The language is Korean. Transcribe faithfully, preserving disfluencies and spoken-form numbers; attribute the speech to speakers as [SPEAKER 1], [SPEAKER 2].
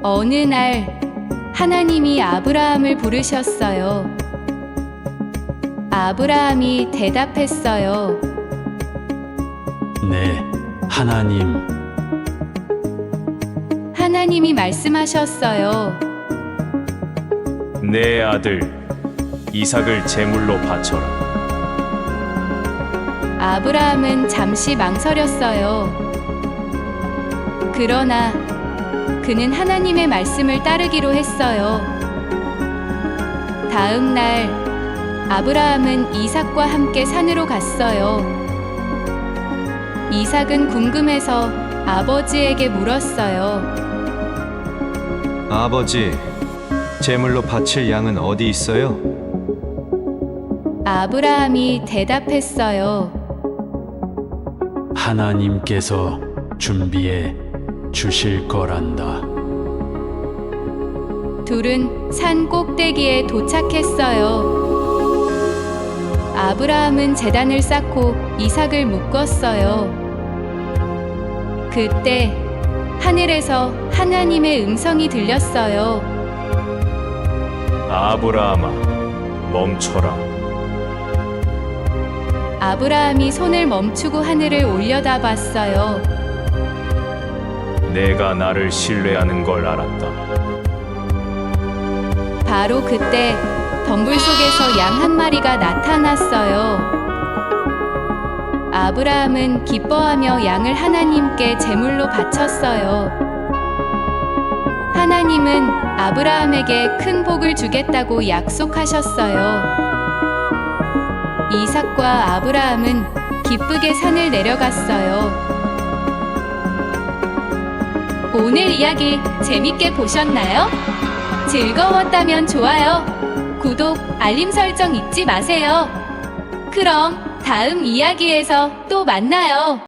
[SPEAKER 1] 어느 날 하나님이 아브라함을 부르셨어요. 아브라함이 대답했어요.
[SPEAKER 2] 네, 하나님.
[SPEAKER 1] 하나님이 말씀하셨어요.
[SPEAKER 3] 내 아들 이삭을 제물로 바쳐라.
[SPEAKER 1] 아브라함은 잠시 망설였어요. 그러나 그는 하나님의 말씀을 따르기로 했어요. 다음 날 아브라함은 이삭과 함께 산으로 갔어요. 이삭은 궁금해서 아버지에게 물었어요.
[SPEAKER 4] 아버지, 제물로 바칠 양은 어디 있어요?
[SPEAKER 1] 아브라함이 대답했어요.
[SPEAKER 2] 하나님께서 준비해 주실 거란다.
[SPEAKER 1] 둘은 산 꼭대기에 도착했어요. 아브라함은 제단을 쌓고 이삭을 묶었어요. 그때 하늘에서 하나님의 음성이 들렸어요.
[SPEAKER 3] 아브라함아, 멈춰라.
[SPEAKER 1] 아브라함이 손을 멈추고 하늘을 올려다봤어요.
[SPEAKER 3] 내가 나를 신뢰하는 걸 알았다.
[SPEAKER 1] 바로 그때 덤불 속에서 양 한 마리가 나타났어요. 아브라함은 기뻐하며 양을 하나님께 제물로 바쳤어요. 하나님은 아브라함에게 큰 복을 주겠다고 약속하셨어요. 이삭과 아브라함은 기쁘게 산을 내려갔어요. 오늘 이야기 재밌게 보셨나요? 즐거웠다면 좋아요, 구독, 알림 설정 잊지 마세요. 그럼 다음 이야기에서 또 만나요.